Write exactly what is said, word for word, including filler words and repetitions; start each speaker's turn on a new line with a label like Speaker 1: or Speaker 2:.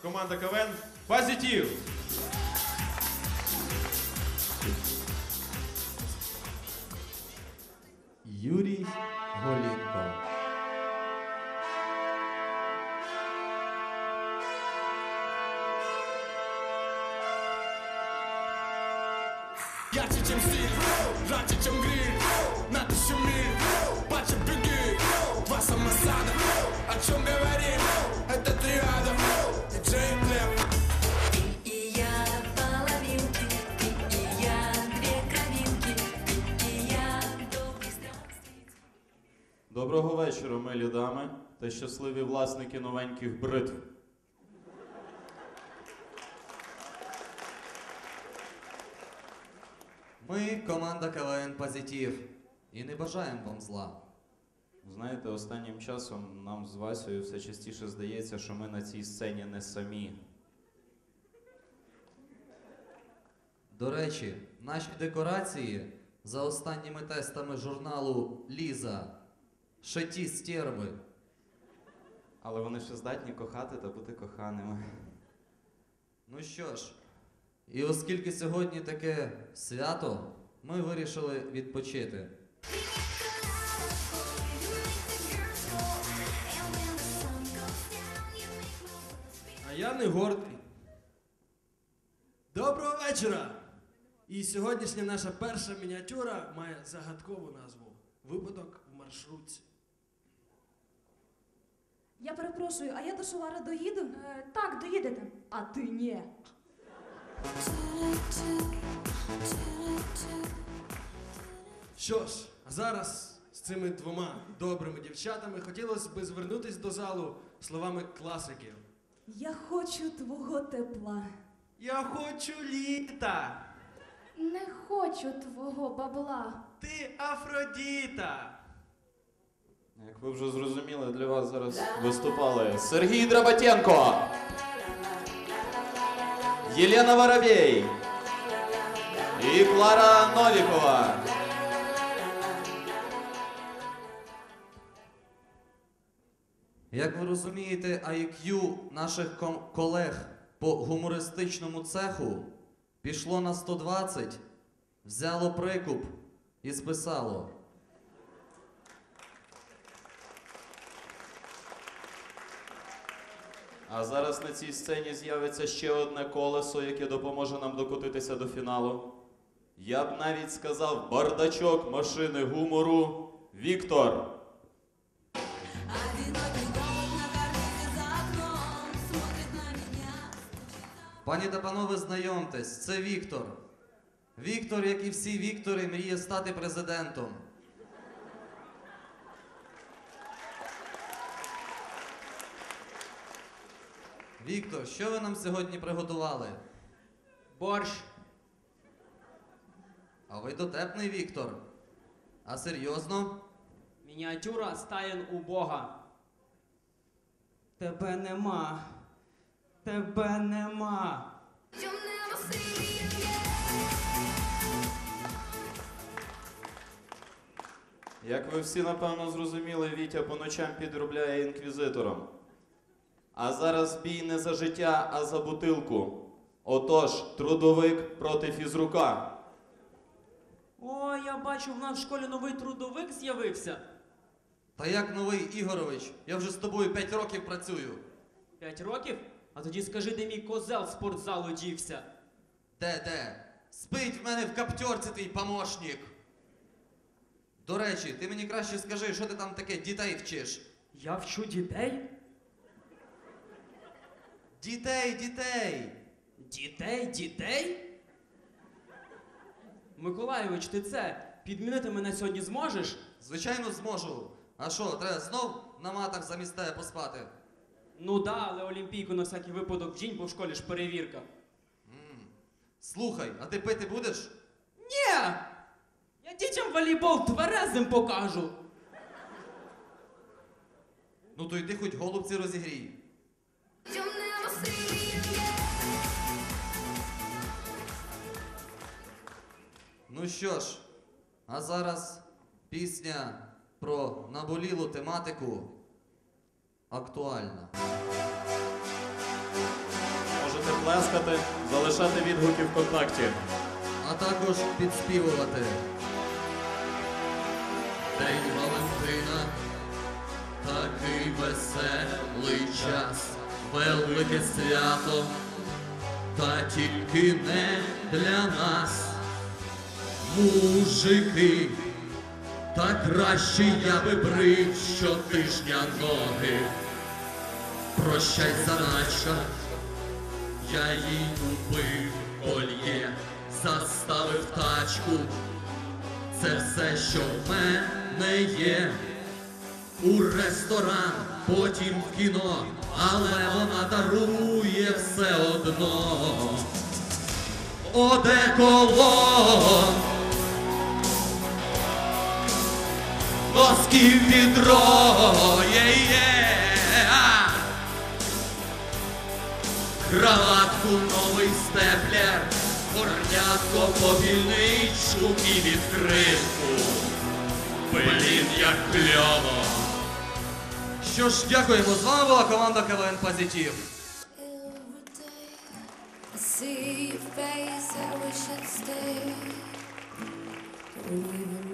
Speaker 1: команда КВН «Позитив».
Speaker 2: Юрій Голінко.
Speaker 3: Ярче, чем стиль, жарче, чем гриль. На тысячу миль, паче беги. Два самосада, о чем говорим? Это триада, диджей Глеб.
Speaker 4: Ты и я половинки, ты и я две кровинки, ты и я долгий страстей.
Speaker 2: Доброго вечора, милі дами та щасливі власники новеньких бритв.
Speaker 5: Ми команда КВН «Позитив» і не бажаємо вам зла.
Speaker 2: Знаєте, останнім часом нам з Васею все частіше здається, що ми на цій сцені не самі.
Speaker 5: До речі, наші декорації за останніми тестами журналу «Ліза» ще ті стерви.
Speaker 2: Але вони ще здатні кохати та бути коханими.
Speaker 5: Ну що ж, і оскільки сьогодні таке свято, ми вирішили відпочити.
Speaker 1: А я не гордий.
Speaker 6: Доброго вечора! І сьогоднішня наша перша мініатюра має загадкову назву «Випадок в маршрутці».
Speaker 7: Я перепрошую, а я до Шувара доїду? Е, так, доїдете. А ти ні.
Speaker 6: Що ж, а зараз з цими двома добрими дівчатами хотілося б звернутися до залу словами класиків.
Speaker 7: Я хочу твого тепла.
Speaker 6: Я хочу літа!
Speaker 7: Не хочу твого бабла.
Speaker 6: Ти Афродіта!
Speaker 2: Як ви вже зрозуміли, для вас зараз виступали Сергій Драбатенко, Єлена Воробей і Клара Новікова.
Speaker 5: Як ви розумієте, ай к'ю наших ком- колег по гумористичному цеху пішло на сто двадцять, взяло прикуп і списало.
Speaker 2: А зараз на цій сцені з'явиться ще одне колесо, яке допоможе нам докотитися до фіналу. Я б навіть сказав бардачок машини гумору Віктор.
Speaker 5: Пані та панове, знайомтесь, це Віктор. Віктор, як і всі Віктори, мріє стати президентом. Віктор, що ви нам сьогодні приготували?
Speaker 8: Борщ.
Speaker 5: А ви дотепний, Віктор. А серйозно?
Speaker 8: Мініатюра стаєн у Бога. Тебе нема. Тебе нема.
Speaker 2: Як ви всі, напевно, зрозуміли, Вітя по ночам підробляє інквізитором. А зараз бій не за життя, а за бутилку. Отож, трудовик проти фізрука.
Speaker 8: О, я бачу, в нас в школі новий трудовик з'явився.
Speaker 5: Та як новий, Ігорович? Я вже з тобою п'ять років працюю.
Speaker 8: П'ять років? А тоді скажи, де мій козел з спортзалу дівся.
Speaker 5: Де, де? Спить в мене в каптьорці твій помощник. До речі, ти мені краще скажи, що ти там таке дітей вчиш?
Speaker 8: Я вчу дітей?
Speaker 5: Дітей, дітей!
Speaker 8: Дітей? Дітей? Миколайович, ти це, підмінити мене сьогодні зможеш?
Speaker 5: Звичайно, зможу. А що, треба знов на матах замість тебе поспати?
Speaker 8: Ну да, але Олімпійку на всякий випадок вдінь, бо в школі ж перевірка.
Speaker 5: М. Слухай, а ти пити будеш?
Speaker 8: Ні! Я дітям волейбол тверезим покажу.
Speaker 5: Ну то йди хоч голубці розігрій. Ну що ж, а зараз пісня про наболілу тематику актуальна.
Speaker 2: можете плескати, залишати відгуки ВКонтакті.
Speaker 5: А також підспівувати. День Валентина, такий веселий час, велике свято, та тільки не для нас. Мужики, та краще я би брив щотижня ноги. Прощай, заначка, я їй купив кольє, заставив тачку. Це все, що в мене є. У ресторан, потім в кіно, але вона дарує все одно. Одеколон, восків відро, є-є. Краватку, новий степлер, горнятко, попільничку і відкритку. Блін, як кльово. Що ж, дякуємо. З вами була команда КВН Позитив.
Speaker 4: Every day I see your face, I wish I'd stay. Even